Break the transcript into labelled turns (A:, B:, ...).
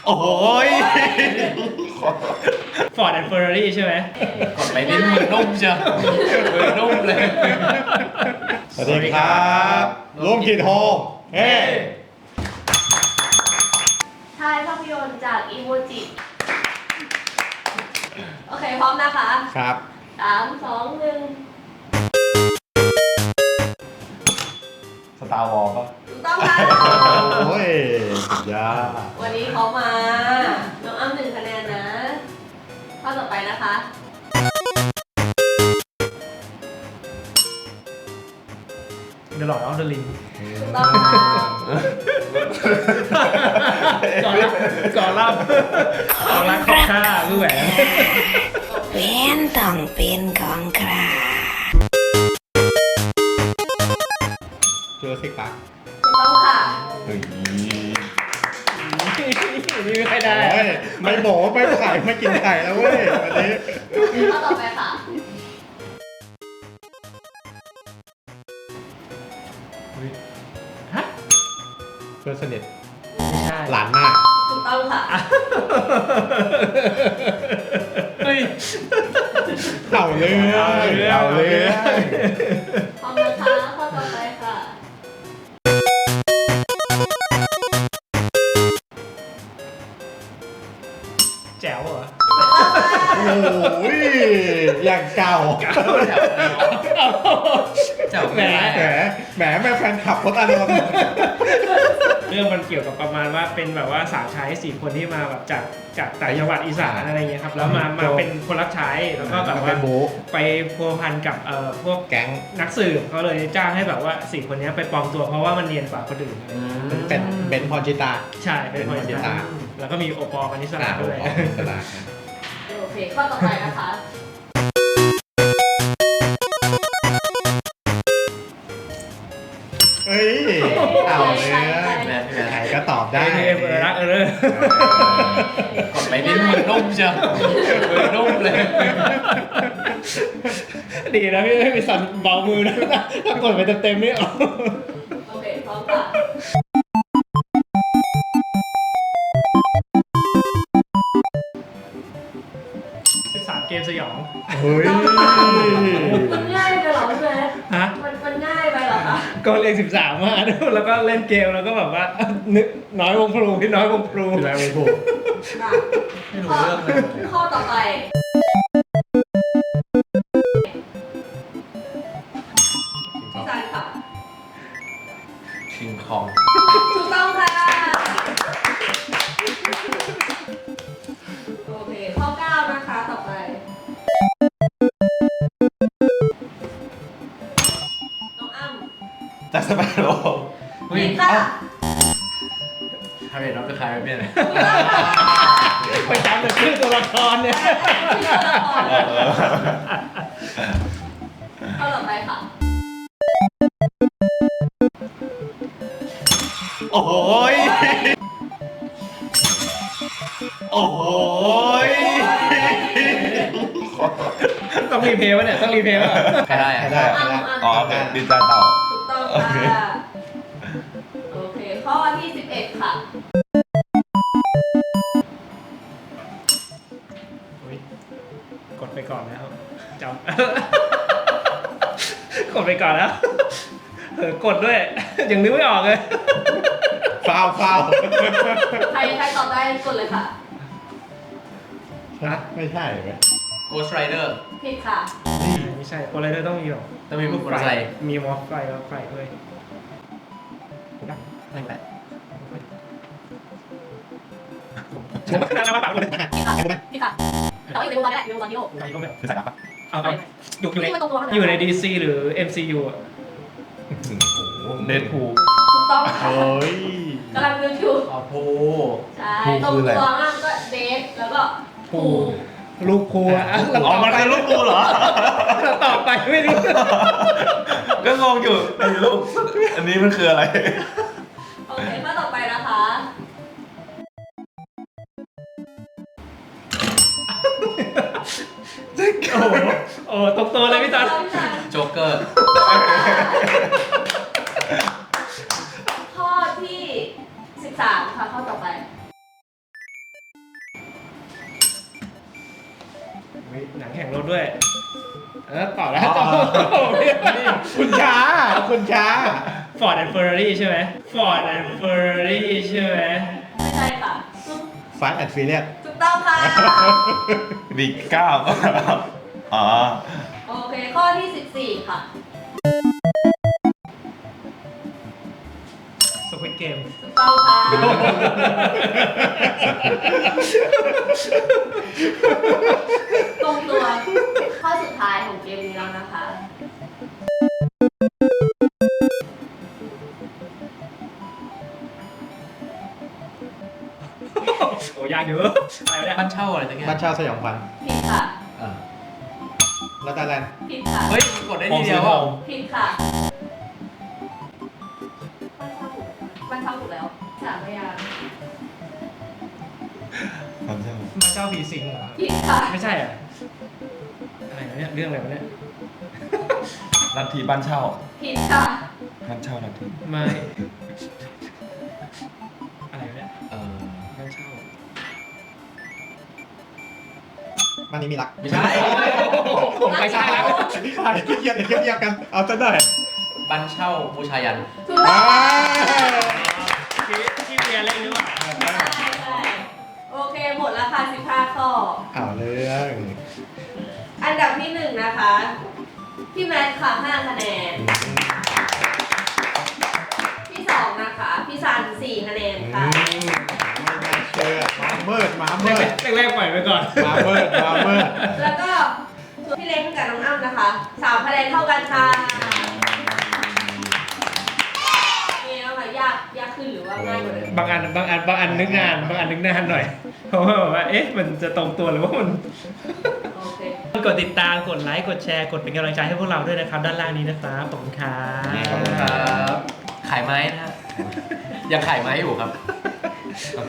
A: โอ้ย
B: ฟอร์ดแอนด์เฟอร์รารี่ใช่ไหม
A: กดไปนิดมือนุ่มเชียวมือนุ่มเลย
C: สวัสดีครับร่วมขีดโฮมเฮ้
D: ทายภาพยนตร์จากอีโมจิ โอเค พร้อมนะคะ
C: ครับ
D: 3 2 1
A: สตาร์วอลป่ะ
D: ถูกต้องค่ะ
C: โอ้ยสุดยอด
D: วันนี้เขามา น้องอ้ำ1 คะแนนนะข้อต่อไปนะคะ
B: เดอะลอร์ดออฟเดอะริง
D: ถูกต้องค่ะ
B: ก่อนรับเอารักฆ่าคือแหวน
E: เว้นต้องเป็นของใคร
C: เจอสิครับ
D: ถูกต้องค่ะ
A: เฮ้ย
B: นี่ไม่ได้
C: โอ้ยไม่โหมไม่ไข่ไม่กินไข่แล้วเว้ยวันนี้
D: ข้อต่อไปค่ะ
B: ฮะ
C: เพื่อนสนิท
B: ไม่ใช่
C: หลานมาก
D: ถูกต้องค่ะ
B: เฮ้ย
C: เข่าเลย
B: เอาเลย
D: พร้อมนะคะข้อต่อไปค่ะ
B: แจ๋วเหรอ
C: โอ้ยอย่างเก่า
A: เจ้า
B: แหม
C: แหมแม่แฟนคลับพจน์อานนท์
B: เรื่องมันเกี่ยวกับประมาณว่าเป็นแบบว่าสาวใช้4 คนที่มาแบบจากต่างจังหวัดอีสานอะไรเงี้ยครับแล้วมาเป็นคนรับใช้แล้วก็แบบ
C: เป็
B: ว่าน
C: โบ๊
B: ไปพัวพันกับพวก
C: แก๊ง
B: นักสืบเขาเลยจ้างให้แบบว่า4 คนนี้ไปปลอมตัวเพราะว่ามันเนียนกว่าคนอื่นอะไรเงี้ย
C: เป็นเบนซ์พรชิตา
B: ใช่เป็นคน
C: เป็นคน
B: อี
C: อี
B: สา
C: สาน น
B: แล้วก็มีโอปอล์ปณิสราด้วย
C: สลาด
D: โอเค ข้อต่อไปนะคะ
C: เอ้ยเอาเลย
A: แม่พี่แม่
C: ใครก็ตอบได้
B: ได้เบอร์รักเลย
A: กดไปนิดมือนุ่มเชียวมือนุ่มเลย
B: ดีนะพี่ไม่มีสั่นเบามือนะถ้ากดไปเต็มๆนี่ออก
D: โอเค พร้อมค่ะ
B: 13 เกมสยอง
C: เฮ้ย
D: มันง่ายไปเหรอพี่แม่
B: ฮะ
D: มันง่ายไปเหรอคะ
B: ก็เลข13มาแล้วก็เล่นเกมแล้วก็แบบว่านึกน้อยวงพลูพี่น้อยวงพลู
C: พี่นายเป็นผู้
A: ไม่รู้เรื่องเลย
D: ข้อต่อไป พี่ซันค่ะ
A: คิงคอง
D: ถูกต้องค่ะ โอเค ข้อ 9 นะคะ ต่อไป น้องอ้ำ
A: จากสเปโร่
D: ผิดค่ะ
A: ทำเห็นน้องเป็นใครไม่เป็นไร
D: ถูกต้องค่ะ
B: ไปจำแต่ชื่อตัวละครเนี่ย
D: ชื่อตัวละครข้อต่อไปค่ะ
A: โอ้ยโอ้ย
B: ต้องรีเพย์วะเนี่ยต้องรีเพย์วะ
A: ใครได้
C: ใคร
A: อะ
C: ได้
D: อ้ำ
C: ใครได้
D: อ้ำ
A: อ๋อโอเคดิจิตอล
D: ถูกต้องค่ะ โอเค ข้อที่ 11 ค่ะ
B: อุ๊ยกดไปก่อนแล้วจำ กดไปก่อนแล้วกดด้วย ยังนึกไม่ออกเลย
C: ฟาวฟาว
D: ใครตอบได้กดเลยค่ะ
C: ไม่ใช่ไหม
A: โกสไรเดอร์
D: ผิดค่ะ
B: ไม่ใช่โอไรเดอร์ต้องมีหรอก
A: ต้องมีมอเตอร์ไซค์
B: มีมอเตอร์ไซค์ด้วย
A: นั่นแหละ
B: ฉันนั่งมาปากเลย
D: ผิดค่ะแต่ว่าอยู่ในวงการนี่แหละอยู่ในวงการฮีโร่
B: ใครก็ไม่
A: คือสายลับปะ
B: เอาอยู่ใน
D: นี่มันตรงตัวข้างหลัง
B: อยู่ใน DC หรือ MCU อ่ะ
A: เดดพูล
D: ถูกต้องค่ะ
C: โอ้ย
D: กำลังนึกอยู่
A: อ๋อโพ
D: ใช่
C: ภู
D: ตรง
C: คืออะไร
D: ตัวข้างล่างก็เดทแล้วก็ภู
B: ลูกครัวอ่ะเรา
A: อ๋อ
B: ตอบ
A: มัน
B: ไป
A: คือลูกพูลเหรอ
B: เราตอบไปไม่รู้
A: ก็งงอยู่ไอ้ลูกอันนี้มันคืออะไร
D: โอเคข้อต่อไปนะคะ
B: โอ้โหโอ้ตรงตัวเลยพี่ตัน
A: โจ๊กเกอร์
D: ข้อที่ 13 ค่ะ ข้อต่อไป
B: หนังแข่งรถด้วยต่อแล้ว
C: อ๋อ คุณช้าคุณช้า
B: ฟอร์ดแอนด์เฟอร์รารี่ใช่ไหมฟอร์ดแอนด์เฟอร์รารี่ใช่ไหม
D: ไม่ใช่ค่ะ
C: Fast and Furious
D: ถูกต้องค่ะ
A: บิ๊กเก้าอ๋อ
D: โอเค ข้อที่ 14 ค่ะ
B: สควิดเกม
D: ถูกต้องค่ะ ตรงตัว ข้อสุดท้ายของเกมนี้แล้วนะคะ
B: โอ้ยากเยอะอะไรเนี่ย
A: บ้านเช่าอะไรสักอย่าง
C: บ้านเช่าสยองขวัญ
D: ผิดค่ะ
C: รัตตาแลนด์
D: ผิดค่ะ
A: เฮ้ยกดได้ทีเดียวเปล่า
D: ผิดค่ะบ้านเช่าถูกแล้วสามพยางค์
C: บ้านเช่า
B: มาเจ้าผีสิงเหรอ
D: ผิดค่ะ
B: ไม่ใช่อ่ะอะไรวะเนี่ยเรื่องอะไรวะเนี่ย
A: ลัทธิบ้านเช่า
D: ผิดค่ะ
A: บ้านเช่าลัทธิ
B: ไม่อะไรวะเนี่ย
A: บ้านเช่า
C: บ้านนี้มีรัก
A: ไม่ใช่
B: ผมไปช้าแล้ว
C: ใช่เทียบกัน เอาซะหน่อย
A: บ้านเช่าบูชายัน
D: ถูกต้องค่ะ
B: ที่เรียนเล่นหรือเปล่า
D: ใช่โอเค หมดแล้วค่ะ 15 ข้อ
C: เอาเรื่อง
D: อันดับที่ 1 นะคะ พี่แมทค่ะ 5 คะแนน ที่ 2 นะคะ พี่ซัน 4 คะแนนค่ะ
C: ไม่น่าเชื่อมาเมิด
B: แรกๆปล่อยไปก่อน
C: มาเมิด
D: แล้วก็ส่วนพี่เล็กกับน้องอ้ำนะคะ 3 คะแนนเท่ากันค่ะนี่แล้วค่ะยากขึ้นหรือว่าง่ายกว่าเดิม
B: บางอันนึกนานบางอันนึกนานหน่อย เพราะว่าแบบว่าเอ๊ะมันจะตรงตัวหรือว่ามัน
D: โอเค
B: กดติดตามกดไลค์กดแชร์กดเป็นกำลังใจให้พวกเราด้วยนะครับ ด้านล่างนี้นะครับขอบคุณครับ
A: ขอบคุณครับ ขายไม้นะฮะยังขายไม้อยู่ครับ